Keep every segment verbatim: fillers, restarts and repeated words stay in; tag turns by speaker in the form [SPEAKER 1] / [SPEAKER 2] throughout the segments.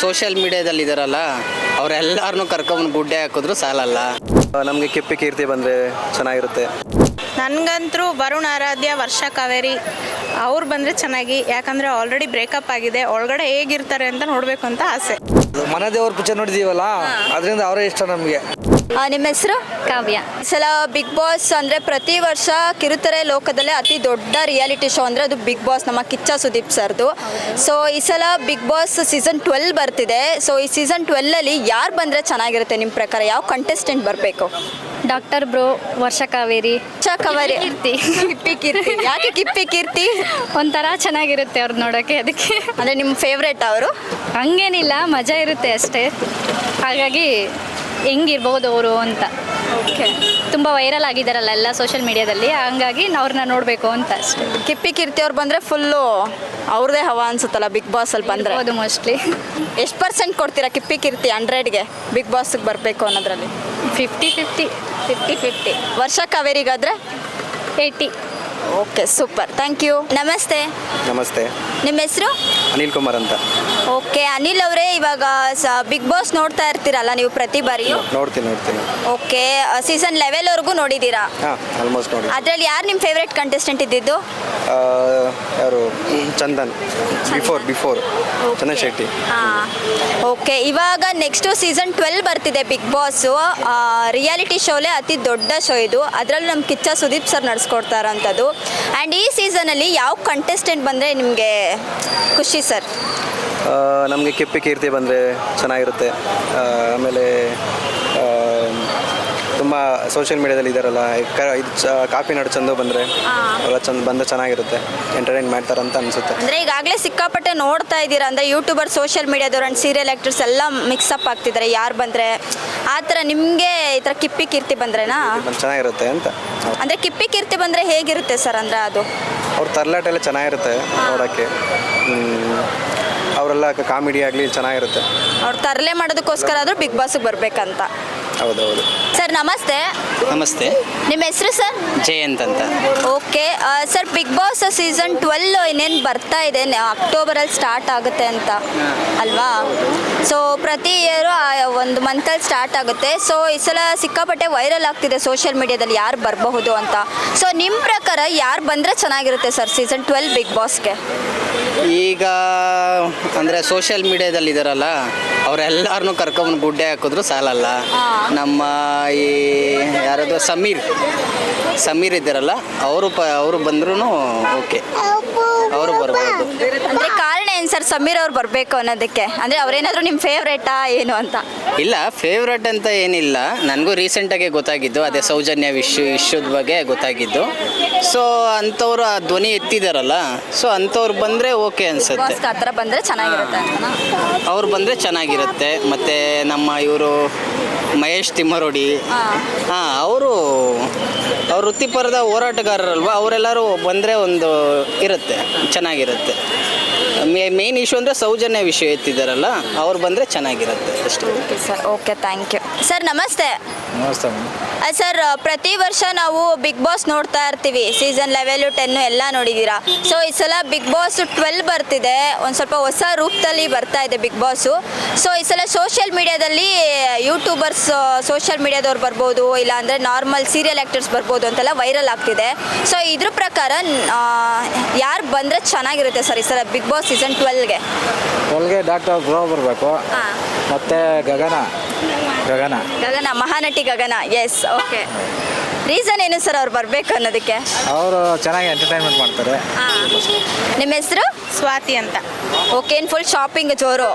[SPEAKER 1] Social ಮೀಡಿಯಾದಲ್ಲಿ ಇದಾರಲ್ಲ ಅವರೆಲ್ಲರನ್ನೂ ಕರ್ಕೊಂಬಂದು ಗುಡ್ಡೆ ಹಾಕಿದ್ರು ಸಾಲಲ್ಲ.
[SPEAKER 2] ನಮಗೆ ಕಿಪ್ಪಿ ಕೀರ್ತಿ ಬಂದರೆ ಚೆನ್ನಾಗಿರುತ್ತೆ.
[SPEAKER 3] ನನಗಂತರೂ ವರುಣ್ ಆರಾಧ್ಯ, ವರ್ಷ ಕಾವೇರಿ ಅವ್ರು ಬಂದರೆ ಚೆನ್ನಾಗಿ. ಯಾಕಂದರೆ ಆಲ್ರೆಡಿ ಬ್ರೇಕಪ್ ಆಗಿದೆ, ಒಳಗಡೆ ಹೇಗಿರ್ತಾರೆ ಅಂತ ನೋಡಬೇಕು ಅಂತ ಆಸೆ.
[SPEAKER 2] ಮನೆ ದೇವ್ರ ಪಿಕ್ಚರ್ ನೋಡಿದೀವಲ್ಲ, ಅದರಿಂದ ಅವರೇ ಇಷ್ಟ ನಮಗೆ.
[SPEAKER 4] ನಿಮ್ಮ ಹೆಸರು?
[SPEAKER 5] ಕಾವ್ಯ.
[SPEAKER 4] ಈ ಸಲ ಬಿಗ್ ಬಾಸ್ ಅಂದರೆ ಪ್ರತಿ ವರ್ಷ ಕಿರುತೆರೆ ಲೋಕದಲ್ಲೇ ಅತಿ ದೊಡ್ಡ ರಿಯಾಲಿಟಿ ಶೋ ಅಂದರೆ ಅದು ಬಿಗ್ ಬಾಸ್, ನಮ್ಮ ಕಿಚ್ಚ ಸುದೀಪ್ ಸರ್ದು. ಸೊ ಈ ಸಲ ಬಿಗ್ ಬಾಸ್ ಸೀಸನ್ ಟ್ವೆಲ್ ಬರ್ತಿದೆ. ಸೊ ಈ ಸೀಸನ್ ಟ್ವೆಲ್ಲಲ್ಲಿ ಯಾರು ಬಂದರೆ ಚೆನ್ನಾಗಿರುತ್ತೆ ನಿಮ್ಮ ಪ್ರಕಾರ? ಯಾವ ಕಂಟೆಸ್ಟೆಂಟ್ ಬರಬೇಕು?
[SPEAKER 5] ಡಾಕ್ಟರ್ ಬ್ರೋ, ವರ್ಷ ಕಾವೇರಿ,
[SPEAKER 4] ಕವರಿ
[SPEAKER 5] ಕೀರ್ತಿ.
[SPEAKER 4] ಕಿಪ್ಪಿ ಕೀರ್ತಿ. ಯಾಕೆ ಕಿಪ್ಪಿ ಕೀರ್ತಿ?
[SPEAKER 5] ಒಂಥರ ಚೆನ್ನಾಗಿರುತ್ತೆ ಅವ್ರು ನೋಡೋಕ್ಕೆ, ಅದಕ್ಕೆ.
[SPEAKER 4] ಅಂದರೆ ನಿಮ್ಮ ಫೇವ್ರೇಟ್ ಅವರು?
[SPEAKER 5] ಹಂಗೇನಿಲ್ಲ, ಮಜಾ ಇರುತ್ತೆ ಅಷ್ಟೇ. ಹಾಗಾಗಿ ಹೆಂಗಿರ್ಬೋದು ಅವರು ಅಂತ.
[SPEAKER 4] ಓಕೆ.
[SPEAKER 5] ತುಂಬ ವೈರಲ್ ಆಗಿದ್ದಾರಲ್ಲ ಎಲ್ಲ ಸೋಷಿಯಲ್ ಮೀಡಿಯಾದಲ್ಲಿ, ಹಂಗಾಗಿ ಅವ್ರನ್ನ ನೋಡಬೇಕು ಅಂತ ಅಷ್ಟೇ.
[SPEAKER 4] ಕಿಪ್ಪಿ ಕೀರ್ತಿ ಅವ್ರು ಬಂದರೆ ಫುಲ್ಲು ಅವ್ರದ್ದೇ ಹವಾ ಅನ್ಸುತ್ತಲ್ಲ ಬಿಗ್ ಬಾಸಲ್ಲಿ ಬಂದರೆ?
[SPEAKER 5] ಹೌದು, ಮೋಸ್ಟ್ಲಿ.
[SPEAKER 4] ಎಷ್ಟು ಪರ್ಸೆಂಟ್ ಕೊಡ್ತೀರಾ ಕಿಪ್ಪಿ ಕೀರ್ತಿ ಹಂಡ್ರೆಡ್ಗೆ ಬಿಗ್ ಬಾಸ್ಗೆ ಬರಬೇಕು ಅನ್ನೋದ್ರಲ್ಲಿ?
[SPEAKER 5] Fifty fifty
[SPEAKER 4] fifty fifty. ವರ್ಷ ಕಾವೇರಿಗಾದರೆ
[SPEAKER 5] eighty.
[SPEAKER 4] Okay, super, thank you. ನಮಸ್ತೆ.
[SPEAKER 2] ನಮಸ್ತೆ.
[SPEAKER 4] ನಿಮ್ಮ ಹೆಸರು?
[SPEAKER 2] ಅನಿಲ್ ಕುಮಾರ್ ಅಂತ.
[SPEAKER 4] ಓಕೆ, ಅನಿಲ್ ಅವರೇ, ಇವಾಗ ಸ ಬಿಗ್ ಬಾಸ್ ನೋಡ್ತಾ ಇರ್ತೀರಲ್ಲ ನೀವು ಪ್ರತಿ ಬಾರಿಯೂ?
[SPEAKER 2] ನೋಡ್ತೀನಿ ನೋಡ್ತೀನಿ
[SPEAKER 4] ಓಕೆ, ಸೀಸನ್ ಲೆವೆಲ್ವರೆಗೂ ನೋಡಿದ್ದೀರಾ?
[SPEAKER 2] ಹಾಂ, ಆಲ್ಮೋಸ್ಟ್ ನೋಡಿ.
[SPEAKER 4] ಅದರಲ್ಲಿ ಯಾರು ನಿಮ್ಮ ಫೇವ್ರೇಟ್ ಕಂಟೆಸ್ಟೆಂಟ್ ಇದ್ದಿದ್ದು?
[SPEAKER 2] ಯಾರು? ಚಂದನ್. Before before Chandan Shetty.
[SPEAKER 4] ಹಾಂ, ಓಕೆ. ಇವಾಗ ನೆಕ್ಸ್ಟು ಸೀಸನ್ ಟ್ವೆಲ್ ಬರ್ತಿದೆ ಬಿಗ್ ಬಾಸು. ರಿಯಾಲಿಟಿ ಶೋಲೇ ಅತಿ ದೊಡ್ಡ ಶೋ ಇದು. ಅದರಲ್ಲೂ ನಮ್ಮ ಕಿಚ್ಚ ಸುದೀಪ್ ಸರ್ ನಡೆಸ್ಕೊಡ್ತಾ ಇರೋಂಥದ್ದು. ಆ್ಯಂಡ್ ಈ ಸೀಸನಲ್ಲಿ ಯಾವ ಕಂಟೆಸ್ಟೆಂಟ್ ಬಂದರೆ ನಿಮಗೆ ಖುಷಿ ಸರ್?
[SPEAKER 2] ನಮಗೆ ಕಿಪ್ಪಿ ಕೀರ್ತಿ ಬಂದರೆ ಚೆನ್ನಾಗಿರುತ್ತೆ. ಆಮೇಲೆ ತುಂಬ ಸೋಷಿಯಲ್ ಮೀಡಿಯಾದಲ್ಲಿ ಇದ್ದಾರಲ್ಲ, ಕ ಇದು ಚ ಕಾಪಿ ನಾಡು ಚಂದು ಬಂದರೆ ಎಲ್ಲ ಚಂದ ಬಂದು ಚೆನ್ನಾಗಿರುತ್ತೆ, ಎಂಟರ್ಟೈನ್ ಮಾಡ್ತಾರೆ ಅಂತ ಅನಿಸುತ್ತೆ.
[SPEAKER 4] ಅಂದರೆ ಈಗಾಗಲೇ ಸಿಕ್ಕಾಪಟ್ಟೆ ನೋಡ್ತಾ ಇದ್ದೀರಾ ಅಂದರೆ ಯೂಟ್ಯೂಬರ್, ಸೋಷಿಯಲ್ ಮೀಡಿಯಾದವ್ರು ಆ್ಯಂಡ್ ಸೀರಿಯಲ್ ಆ್ಯಕ್ಟರ್ಸ್ ಎಲ್ಲ ಮಿಕ್ಸಪ್ ಆಗ್ತಿದ್ದಾರೆ. ಯಾರು ಬಂದರೆ ಆ ಥರ ನಿಮಗೆ ಈ ಥರ ಕಿಪ್ಪಿ ಕೀರ್ತಿ ಬಂದ್ರೇನಾ
[SPEAKER 2] ಚೆನ್ನಾಗಿರುತ್ತೆ ಅಂತ.
[SPEAKER 4] ಅಂದರೆ ಕಿಪ್ಪಿ ಕೀರ್ತಿ ಬಂದರೆ ಹೇಗಿರುತ್ತೆ ಸರ್? ಅಂದರೆ ಅದು
[SPEAKER 2] ಅವ್ರ ತರ್ಲಾಟ ಎಲ್ಲ ಚೆನ್ನಾಗಿರುತ್ತೆ ನೋಡೋಕ್ಕೆ. ಅವರೆಲ್ಲ ಕಾಮಿಡಿ ಆಗಲಿ ಚೆನ್ನಾಗಿರುತ್ತೆ.
[SPEAKER 4] ಅವ್ರು ತರಲೆ ಮಾಡೋದಕ್ಕೋಸ್ಕರ ಆದರೂ ಬಿಗ್ ಬಾಸ್ಗೆ ಬರಬೇಕಂತ.
[SPEAKER 2] ಹೌದೌದು.
[SPEAKER 4] ಸರ್ ನಮಸ್ತೆ.
[SPEAKER 1] ನಮಸ್ತೆ.
[SPEAKER 4] ನಿಮ್ಮ ಹೆಸರು ಸರ್?
[SPEAKER 1] ಜಯಂತ್ ಅಂತ.
[SPEAKER 4] Okay sir, Bigg Boss season twelve ಇನ್ನೇನು ಬರ್ತಾ ಇದೆ, ಅಕ್ಟೋಬರಲ್ಲಿ ಸ್ಟಾರ್ಟ್ ಆಗುತ್ತೆ ಅಂತ ಅಲ್ವಾ? ಸೊ ಪ್ರತಿ ಇಯರು ಒಂದು ಮಂತಲ್ಲಿ ಸ್ಟಾರ್ಟ್ ಆಗುತ್ತೆ. ಸೊ ಈ ಸಲ ಸಿಕ್ಕಾಪಟ್ಟೆ ವೈರಲ್ ಆಗ್ತಿದೆ ಸೋಷಿಯಲ್ ಮೀಡಿಯಾದಲ್ಲಿ ಯಾರು ಬರಬಹುದು ಅಂತ. ಸೊ ನಿಮ್ಮ ಪ್ರಕಾರ ಯಾರು ಬಂದರೆ ಚೆನ್ನಾಗಿರುತ್ತೆ ಸರ್ ಸೀಸನ್ ಟ್ವೆಲ್ ಬಿಗ್ ಬಾಸ್ಗೆ?
[SPEAKER 1] ಈಗ ಅಂದರೆ ಸೋಷಿಯಲ್ ಮೀಡಿಯಾದಲ್ಲಿ ಇದಾರಲ್ಲ ಅವರೆಲ್ಲರನ್ನೂ ಕರ್ಕೊಂಬಂದು ಗುಡ್ಡೆ ಹಾಕಿದ್ರು ಸಾಲಲ್ಲ. ನಮ್ಮ ಈ ಯಾರದು ಸಮೀರ್ ಸಮೀರ್ ಇದ್ದಾರಲ್ಲ, ಅವರು ಪ ಅವರು ಬಂದ್ರೂ ಓಕೆ, ಅವರು ಬರ್ಬೋದು.
[SPEAKER 4] ಅಂದರೆ ಕಾರಣ ಏನು ಸರ್ ಸಮೀರ್ ಅವ್ರು ಬರಬೇಕು ಅನ್ನೋದಕ್ಕೆ? ಅಂದರೆ ಅವರೇನಾದರೂ ನಿಮ್ಮ ಫೇವ್ರೇಟಾ ಏನು ಅಂತ?
[SPEAKER 1] ಇಲ್ಲ, ಫೇವ್ರೇಟ್ ಅಂತ ಏನಿಲ್ಲ, ನನಗೂ ರೀಸೆಂಟಾಗೆ ಗೊತ್ತಾಗಿದ್ದು ಅದೇ ಸೌಜನ್ಯ ವಿಶ್ವ ಇಶ್ಯೂದ ಬಗ್ಗೆ ಗೊತ್ತಾಗಿದ್ದು. ಸೊ ಅಂಥವ್ರು ಆ ಧ್ವನಿ ಎತ್ತಿದಾರಲ್ಲ, ಸೊ ಅಂಥವ್ರು ಬಂದರೆ ಓಕೆ ಅನಿಸುತ್ತೆ.
[SPEAKER 4] ಆ ಥರ ಬಂದರೆ ಚೆನ್ನಾಗಿರುತ್ತೆ ಅಂತನಾ?
[SPEAKER 1] ಅವ್ರು ಬಂದರೆ ಚೆನ್ನಾಗಿರುತ್ತೆ. ಮತ್ತು ನಮ್ಮ ಇವರು ಮಹೇಶ್ ತಿಮ್ಮರೋಡಿ, ಹಾಂ, ಅವರು ಅವ್ರು ವೃತ್ತಿಪರದ ಹೋರಾಟಗಾರರಲ್ವ, ಅವರೆಲ್ಲರೂ ಬಂದರೆ ಒಂದು ಇರುತ್ತೆ, ಚೆನ್ನಾಗಿರುತ್ತೆ. ಮೇನ್ ಇಶ್ಯೂ ಅಂದರೆ ಸೌಜನ್ಯ ವಿಷಯ ಎತ್ತಿದ್ದಾರಲ್ಲ, ಅವ್ರು ಬಂದರೆ ಚೆನ್ನಾಗಿರುತ್ತೆ ಅಷ್ಟೇ.
[SPEAKER 4] Sir okay, thank you. Sir ನಮಸ್ತೆ.
[SPEAKER 2] ನಮಸ್ತೆ.
[SPEAKER 4] ಸರ್ ಪ್ರತಿ ವರ್ಷ ನಾವು ಬಿಗ್ ಬಾಸ್ ನೋಡ್ತಾ ಇರ್ತೀವಿ, ಸೀಸನ್ ಲೆವೆಲು ಟೆನ್ನು ಎಲ್ಲ ನೋಡಿದ್ದೀರಾ. ಸೊ ಈ ಸಲ ಬಿಗ್ ಬಾಸ್ ಟ್ವೆಲ್ ಬರ್ತಿದೆ, ಒಂದು ಸ್ವಲ್ಪ ಹೊಸ ರೂಪದಲ್ಲಿ ಬರ್ತಾ ಇದೆ ಬಿಗ್ ಬಾಸು. ಸೊ ಈ ಸಲ ಸೋಷಿಯಲ್ ಮೀಡಿಯಾದಲ್ಲಿ ಯೂಟ್ಯೂಬರ್ಸ್, ಸೋಷಿಯಲ್ ಮೀಡಿಯಾದವ್ರು ಬರ್ಬೋದು, ಇಲ್ಲಾಂದರೆ ನಾರ್ಮಲ್ ಸೀರಿಯಲ್ ಆ್ಯಕ್ಟರ್ಸ್ ಬರ್ಬೋದು ಅಂತೆಲ್ಲ ವೈರಲ್ ಆಗ್ತಿದೆ. ಸೊ ಇದ್ರ ಪ್ರಕಾರ ಯಾರು ಬಂದರೆ ಚೆನ್ನಾಗಿರುತ್ತೆ ಸರ್ ಈ ಸಲ ಬಿಗ್ ಬಾಸ್ ಸೀಸನ್ ಟ್ವೆಲ್ಗೆ?
[SPEAKER 6] ಟ್ವೆಲ್ಗೆ ಡಾಕ್ಟರ್ ಬ್ರೋ ಬರಬೇಕು, ಮತ್ತು Gagana Gagana
[SPEAKER 4] Gagana Mahanati Gagana. Yes, okay. Reason ಏನು ಸರ್ ಅವ್ರು ಬರಬೇಕು ಅನ್ನೋದಕ್ಕೆ?
[SPEAKER 6] ಅವರು ಚೆನ್ನಾಗಿ ಎಂಟರ್ಟೈನ್ಮೆಂಟ್ ಮಾಡ್ತಾರೆ.
[SPEAKER 4] ನಿಮ್ಮ ಹೆಸರು?
[SPEAKER 3] ಸ್ವಾತಿ ಅಂತ.
[SPEAKER 4] ಓಕೆ, ಏನು ಫುಲ್ ಶಾಪಿಂಗ್ ಜೋರು?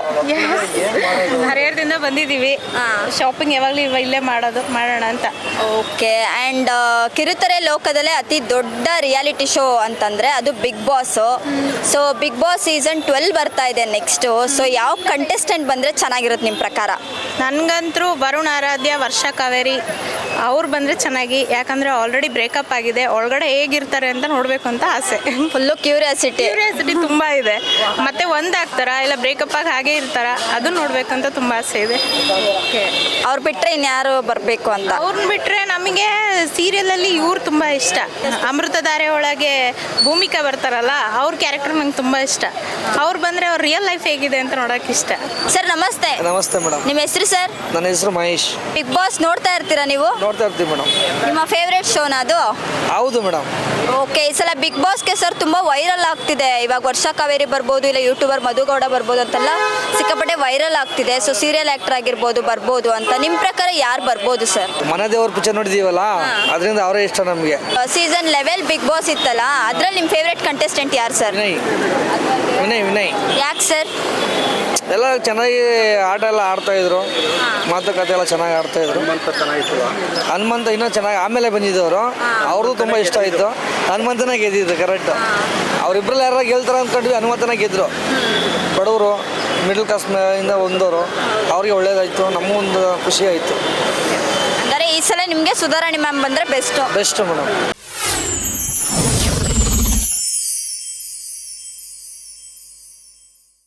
[SPEAKER 3] ಹರಿಹರದಿಂದ ಬಂದಿದ್ದೀವಿ, ಶಾಪಿಂಗ್ ಯಾವಾಗಲೂ ಇಲ್ಲೇ ಮಾಡೋದು ಮಾಡೋಣ ಅಂತ.
[SPEAKER 4] ಓಕೆ. ಆ್ಯಂಡ್ ಕಿರುತೆರೆ ಲೋಕದಲ್ಲೇ ಅತಿ ದೊಡ್ಡ ರಿಯಾಲಿಟಿ ಶೋ ಅಂತಂದರೆ ಅದು Bigg Boss. So Bigg Boss season twelve ಬರ್ತಾ ಇದೆ ನೆಕ್ಸ್ಟು. ಸೊ ಯಾವ ಕಂಟೆಸ್ಟೆಂಟ್ ಬಂದರೆ ಚೆನ್ನಾಗಿರುತ್ತೆ ನಿಮ್ಮ ಪ್ರಕಾರ?
[SPEAKER 3] ನನಗಂತರೂ ವರುಣ್ ಆರಾಧ್ಯ ವರ್ಷ ಕಾವೇರಿ ಅವ್ರು ಬಂದರೆ ಚೆನ್ನಾಗಿ, ಯಾಕಂದರೆ ಆಲ್ರೆಡಿ ಬ್ರೇಕಪ್ ಆಗಿದೆ, ಒಳಗಡೆ ಹೇಗಿರ್ತಾರೆ ಅಂತ ನೋಡಬೇಕು ಅಂತ ಆಸೆ.
[SPEAKER 4] Full curiosity.
[SPEAKER 3] ಕ್ಯೂರಿಯಾಸಿಟಿ ತುಂಬ ಇದೆ. ಮತ್ತೆ ಒಂದಾಗ್ತಾರಾ ಇಲ್ಲ ಬ್ರೇಕಪ್ ಆಗಿ ಹಾಗೆ ಇರ್ತಾರ, ಅದು ನೋಡ್ಬೇಕಂತ ತುಂಬ ಆಸೆ ಇದೆ.
[SPEAKER 4] ಅವ್ರು ಬಿಟ್ಟರೆ ಇನ್ಯಾರು ಬರಬೇಕು ಅಂತ.
[SPEAKER 3] ಅವ್ರನ್ನ ಬಿಟ್ಟರೆ ನಮಗೆ ಸೀರಿಯಲಲ್ಲಿ ಇವ್ರು ತುಂಬ ಇಷ್ಟ. ಅಮೃತಧಾರೆ ಒಳಗೆ ಭೂಮಿಕಾ ಬರ್ತಾರಲ್ಲ, ಅವ್ರ ಕ್ಯಾರೆಕ್ಟರ್ ನಂಗೆ ತುಂಬ ಇಷ್ಟ. ಅವ್ರು ಬಂದರೆ ಅವ್ರ ರಿಯಲ್ ಲೈಫ್ ಹೇಗಿದೆ ಅಂತ ನೋಡೋಕೆ ಇಷ್ಟ.
[SPEAKER 4] ಸರ್ ನಮಸ್ತೆ.
[SPEAKER 2] ನಮಸ್ತೆ ಮೇಡಮ್.
[SPEAKER 4] ನಿಮ್ಮ ಹೆಸರು ಸರ್?
[SPEAKER 2] ನನ್ನ ಹೆಸರು ಮಹೇಶ್.
[SPEAKER 4] ಬಿಗ್ ಬಾಸ್ ನೋಡ್ತಾ ಇರ್ತೀರಾ ನೀವು?
[SPEAKER 2] ನೋಡ್ತಾ ಇರ್ತೀವಿ ಮೇಡಮ್.
[SPEAKER 4] ನಿಮ್ಮ ಫೇವ್ರೇಟ್ ಶೋನ ಅದು?
[SPEAKER 2] ಹೌದು ಮೇಡಮ್.
[SPEAKER 4] ಓಕೆ, ಈ ಸಲ ಬಿಗ್ ಬಾಸ್ಗೆ ಸರ್ ತುಂಬ ವೈರಲ್ ಆಗ್ತಿದೆ. ಇವಾಗ ವರ್ಷ ಕಾವೇರಿ ಬರ್ಬೋದು, ಇಲ್ಲ ಯೂಟ್ಯೂಬರ್ ಮಧುಗೌಡ ಬರ್ಬೋದು ಅಂತೆಲ್ಲ ಸಿಕ್ಕಾಪಟ್ಟೆ ವೈರಲ್ ಆಗ್ತಿದೆ. ಸೊ ಸೀರಿಯಲ್ ಆ್ಯಕ್ಟರ್ ಆಗಿರ್ಬೋದು ಬರ್ಬೋದು ಅಂತ. ನಿಮ್ಮ ಪ್ರಕಾರ ಯಾರು ಬರ್ಬೋದು ಸರ್?
[SPEAKER 2] ಮನೆ ದೇವ್ರ ಪಿಕ್ಚರ್ ನೋಡಿದೀವಲ್ಲ, ಅದರಿಂದ ಅವರೇ ಇಷ್ಟ ನಮಗೆ.
[SPEAKER 4] ಸೀಸನ್ ಲೆವೆಲ್ ಬಿಗ್ ಬಾಸ್ ಇತ್ತಲ್ಲ, ಅದ್ರಲ್ಲಿ ನಿಮ್ಮ ಫೇವ್ರೇಟ್ ಕಂಟೆಸ್ಟೆಂಟ್ ಯಾರು ಸರ್?
[SPEAKER 2] ವಿನಯ್ ವಿನಯ್ ವಿನಯ್
[SPEAKER 4] ಯಾಕೆ ಸರ್?
[SPEAKER 2] ಎಲ್ಲ ಚೆನ್ನಾಗಿ ಆಟ ಎಲ್ಲ ಆಡ್ತಾ ಇದ್ರು, ಮಾತುಕತೆ ಎಲ್ಲ ಚೆನ್ನಾಗಿ ಆಡ್ತಾ ಇದ್ರು. ಹನುಮಂತ ಇನ್ನೂ ಚೆನ್ನಾಗಿ ಆಮೇಲೆ ಬಂದಿದ್ದವರು, ಅವ್ರದ್ದು ತುಂಬ ಇಷ್ಟ ಆಯಿತು. ಹನುಮಂತನೇ ಗೆದ್ದಿದ್ದು ಕರೆಕ್ಟ್. ಅವರಿಬ್ಬರಲ್ಲಿ ಯಾರು ಗೆಲ್ತಾರೆ ಅಂದ್ಕೊಂಡ್ವಿ, ಹನುಮಂತನೇ ಗೆದ್ದರು. ಬಡವರು ಮಿಡಲ್ ಕ್ಲಾಸ್ ಇಂದ ಒಂದವರು, ಅವ್ರಿಗೆ ಒಳ್ಳೇದಾಯಿತು, ನಮಗೊಂದು ಖುಷಿ ಆಯಿತು.
[SPEAKER 4] ಅಂದರೆ ಈ ಸಲ ನಿಮಗೆ ಸುಧಾರಾಣಿ ಮ್ಯಾಮ್ ಬಂದರೆ ಬೆಸ್ಟು.
[SPEAKER 2] Best madam.